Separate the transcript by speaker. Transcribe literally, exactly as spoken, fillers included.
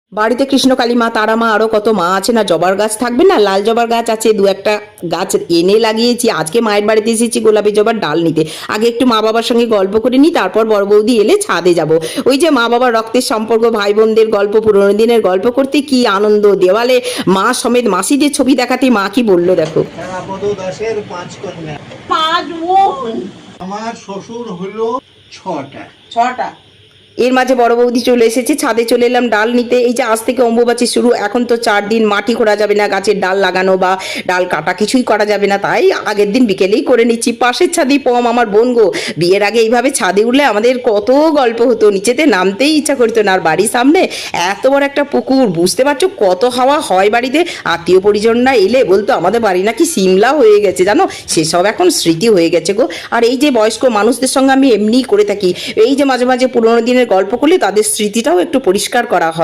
Speaker 1: বাড়িতে কৃষ্ণকালী মা, তারা মা, আরো কত মা আছে না, জবার গাছ থাকবে না, লাল জবার গাছ আছে, দু একটা গাছ এনে লাগিয়েছি। আজকে মায়ের বাড়িতে এসেছি গোলাপি জবার ডাল নিতে। আগে একটু মা বাবার সঙ্গে গল্প করে নিই, তারপর বড় বৌদি এলে ছাদে যাব। ওই যে মা বাবার রক্তের সম্পর্ক, ভাই বোনদের গল্প, পুরোনো দিনের গল্প করতে কি আনন্দ। দেওয়ালে মা সমেত মাসিদের ছবি দেখাতে মা কি বললো দেখো।
Speaker 2: তারাপদ দাসের পাঁচ কন্যা,
Speaker 3: পাঁচ বোন,
Speaker 2: আমার শ্বশুর হলো ছটা।
Speaker 3: ছটা।
Speaker 1: এর মাঝে বড় বৌদি চলে এসেছে, ছাদে চলে এলাম ডাল নিতে। এই যে আজ থেকে অম্বুবাচী শুরু, এখন তো চার দিন মাটি খোঁড়া যাবে না, গাছের ডাল লাগানো বা ডাল কাটা কিছুই করা যাবে না, তাই আগের দিন বিকেলেই করে নিচ্ছি। পাশের ছাদে পম আমার বোন গো, বিয়ের আগে এইভাবে ছাদে উঠলে আমাদের কত গল্প হতো, নিচেতে নামতেই ইচ্ছা করতো না। আর বাড়ির সামনে এত বড় একটা পুকুর, বুঝতে পারছো কত হাওয়া হয় বাড়িতে। আত্মীয় পরিজনরা এলে বলতো আমাদের বাড়ি নাকি সিমলা হয়ে গেছে, জানো, সেসব এখন স্মৃতি হয়ে গেছে গো। আর এই যে বয়স্ক মানুষদের সঙ্গে আমি এমনিই করে থাকি, এই যে মাঝে মাঝে পুরোনো দিনের গল্প করলে তাদের স্মৃতিটাও একটু পরিষ্কার করা হয়।